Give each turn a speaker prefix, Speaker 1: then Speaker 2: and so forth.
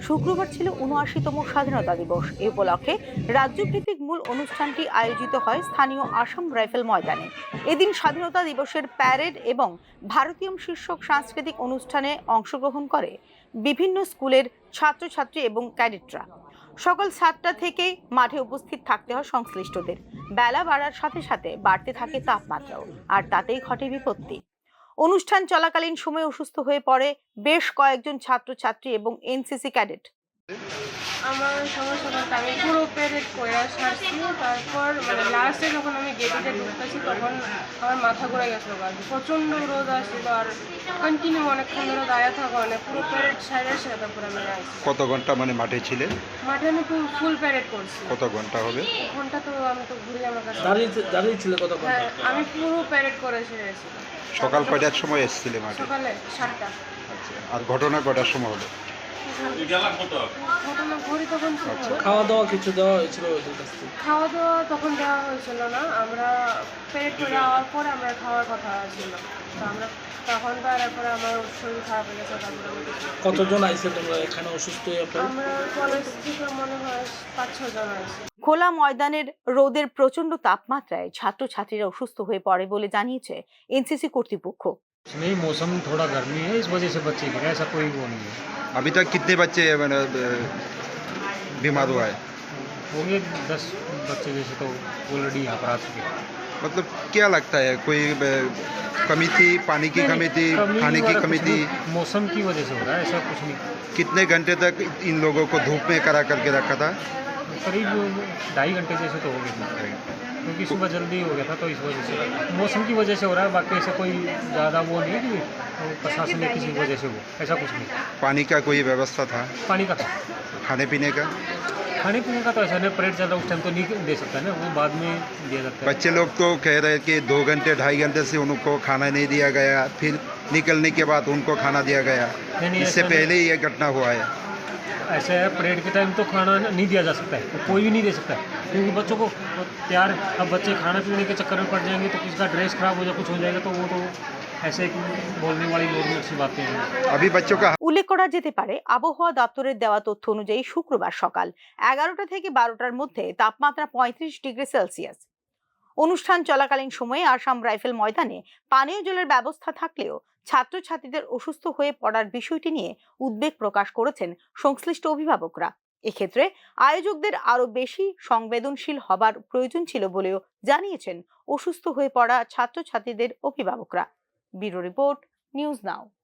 Speaker 1: শুক্রবার ছিল ৭৯তম স্বাধীনতা দিবস। এ উপলক্ষে রাজ্যভিত্তিক মূল অনুষ্ঠানটি আয়োজিত হয় স্থানীয় আসাম রাইফেল ময়দানে। এদিন স্বাধীনতা দিবসের প্যারেড এবং ভারতীয় শীর্ষক সাংস্কৃতিক অনুষ্ঠানে অংশগ্রহণ করে বিভিন্ন স্কুলের ছাত্রছাত্রী এবং ক্যাডেটরা। সকাল 7টা থেকে মাঠে উপস্থিত থাকতে হয় সংশ্লিষ্টদের। বেলা বাড়ার সাথে সাথে বাড়তে থাকে তাপমাত্রাও, আর তাতেই ঘটে বিপত্তি। অনুষ্ঠান চলাকালীন সময় অসুস্থ হয়ে পড়ে বেশ কয়েকজন ছাত্রছাত্রী এবং এনসিসি ক্যাডেট।
Speaker 2: আমার সমস্যা বলতে আমি পুরো প্যারেড করে সারছি, তারপর লাস্টে যখন আমি গেটে ঢুকতেছি তখন আমার মাথা ঘুরে গেছিলো। প্রচণ্ড রোদ আসছিল আর কন্টিনিউ অনেকক্ষণ ধরে দাঁড়িয়ে থাকা, পুরো প্যারেড সাইডে সে তারপর আমি আসছি।
Speaker 3: কত ঘন্টা মাঠে ছিলেন?
Speaker 2: মাঠে আমি ফুল প্যারেড করছি।
Speaker 3: কত ঘন্টা হবে?
Speaker 2: ঘন্টা তো আমি তো ঘুরে আমার কাছে
Speaker 4: দাঁড়িয়ে ছিল কত ঘন্টা?
Speaker 2: হ্যাঁ, আমি পুরো প্যারেড করে সেরেছি।
Speaker 3: সকাল কয়টার সময় এসেছিলে মাঠে?
Speaker 2: সকালে 7টা।
Speaker 3: আচ্ছা, আর ঘটনা কয়টার সময় হলো?
Speaker 2: ঘটনা ঘড়ি তখন ছিল।
Speaker 4: খাওয়া দাওয়া কিছু দেওয়া হয়েছিল?
Speaker 2: খাওয়া দাওয়া তখন দেওয়া হয়েছিল না, আমরা প্যারেড করে যাওয়ার পরে আমরা খাওয়ার কথা ছিল, তো আমরা তখন তো আর এরপরে আমার শরীর খারাপ হয়ে গেছে। তারপরে
Speaker 4: কতজন আইছে তোমরা এখানে অসুস্থ হয়ে পড়ে?
Speaker 2: আমরা কলেজ থেকে মনে হয় 5-6 জন আছি।
Speaker 1: খোলা ময়দানের রোদের প্রচন্ড তাপমাত্রায় ছাত্রছাত্রীরা অসুস্থ হয়ে পড়ে বলে জানিয়েছে এনসিসি কর্তৃপক্ষ।
Speaker 5: नहीं, मौसम थोड़ा गर्मी है, इस वजह से बच्चे गिरे, ऐसा कोई वो नहीं है।
Speaker 3: अभी तक कितने बच्चे बीमार हुआ है?
Speaker 5: होंगे 10 बच्चे जैसे तो ऑलरेडी यहाँ पर आ चुके हैं।
Speaker 3: मतलब क्या लगता है, कोई कमी थी, पानी की कमी थी, खाने की कमी थी?
Speaker 5: मौसम की वजह से हो रहा है, ऐसा कुछ नहीं।
Speaker 3: कितने घंटे तक इन लोगों को धूप में करा करके रखा था?
Speaker 5: करीब 2.5 घंटे जैसे तो हो गए थे, क्योंकि सुबह जल्दी हो गया था, तो इस वजह से मौसम की वजह से हो रहा है। बाकी ऐसा कोई ज़्यादा वो नहीं है कि प्रशासन ने किसी वजह से हो, ऐसा कुछ नहीं।
Speaker 3: पानी का कोई व्यवस्था था?
Speaker 5: पानी का था,
Speaker 3: खाने पीने का?
Speaker 5: खाने पीने का तो ऐसा नहीं, परेड चल रहा उस टाइम तो नहीं दे सकता है ना, वो बाद में दिया जाता है।
Speaker 3: बच्चे लोग तो कह रहे हैं कि 2 घंटे 2.5 घंटे से उनको खाना नहीं दिया गया, फिर निकलने के बाद उनको खाना दिया गया।
Speaker 5: नहीं,
Speaker 3: इससे
Speaker 5: ऐसा
Speaker 3: पहले ही ये घटना हुआ है।
Speaker 5: ऐसा है, परेड के टाइम तो खाना नहीं दिया जा सकता है, कोई भी नहीं दे सकता है, क्योंकि बच्चों को तैयार, अब बच्चे खाना पीने के चक्कर में पड़ जाएंगे तो किसी का ड्रेस खराब हो जाए, कुछ हो जाएगा, तो वो तो ऐसे बोलने वाली नॉर्मल सी बातें हैं।
Speaker 3: अभी बच्चों का
Speaker 1: উল্লেখ করা যেতে পারে, আবহাওয়া দপ্তরের দেওয়া তথ্য অনুযায়ী শুক্রবার সকাল 11টা থেকে 12টার মধ্যে তাপমাত্রা 35 ডিগ্রি সেলসিয়াস। অনুষ্ঠান চলাকালীন সময়ে আসাম রাইফেল ময়দানে পানীয় জলের ব্যবস্থা থাকলেও ছাত্রছাত্রীদের অসুস্থ হয়ে পড়ার বিষয়টি নিয়ে উদ্বেগ প্রকাশ করেছেন সংশ্লিষ্ট অভিভাবকরা। এক্ষেত্রে আয়োজকদের আরো বেশি সংবেদনশীল হবার প্রয়োজন ছিল বলেও জানিয়েছেন অসুস্থ হয়ে পড়া ছাত্রছাত্রীদের অভিভাবকরা। ব্যুরো রিপোর্ট, নিউজ নাও।